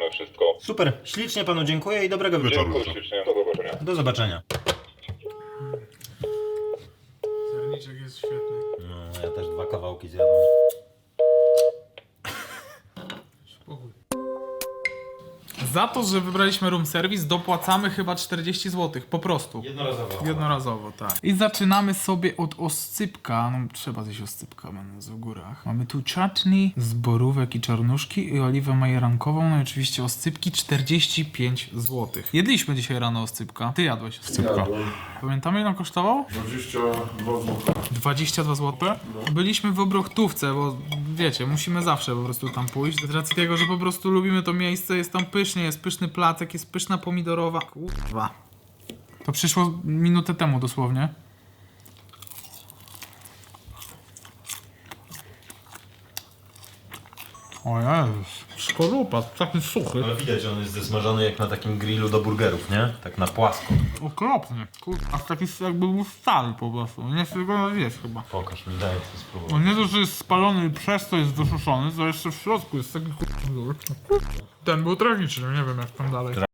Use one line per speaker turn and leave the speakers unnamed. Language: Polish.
mamy wszystko.
Super, ślicznie panu dziękuję i dobrego wieczoru.
Dziękuję ślicznie. Do zobaczenia.
Do zobaczenia.
Serniczek jest świetny.
No, ja też 2 kawałki zjadłem.
Spokój. Za to, że wybraliśmy room service, dopłacamy chyba 40 zł. Po prostu.
Jednorazowo.
Jednorazowo, tak. I zaczynamy sobie od oscypka. No trzeba zjeść oscypka, będąc w górach. Mamy tu chutney z borówek i czarnuszki i oliwę majerankową. No i oczywiście oscypki 45 zł. Jedliśmy dzisiaj rano oscypka. Ty jadłeś oscypka.
Jadłem.
Pamiętamy, ile on kosztował?
22 zł.
22 zł. Byliśmy w Obrochtówce, bo wiecie, musimy zawsze po prostu tam pójść. Z racji tego, że po prostu lubimy to miejsce, jest tam pysznie, jest pyszny placek, jest pyszna pomidorowa. Kurwa. To przyszło minutę temu dosłownie. O Jezus. Skorupa, taki suchy.
Ale widać, że on jest zesmażony jak na takim grillu do burgerów, nie? Tak na płasko.
Okropny. Kurwa, taki jakby był stary po prostu. Nie chcę go zjeść chyba.
Pokaż mi, daj to spróbować.
On nie to, że jest spalony i przez to jest wysuszony, to jeszcze w środku jest taki kurwa. Ten był tragiczny, nie wiem jak tam dalej.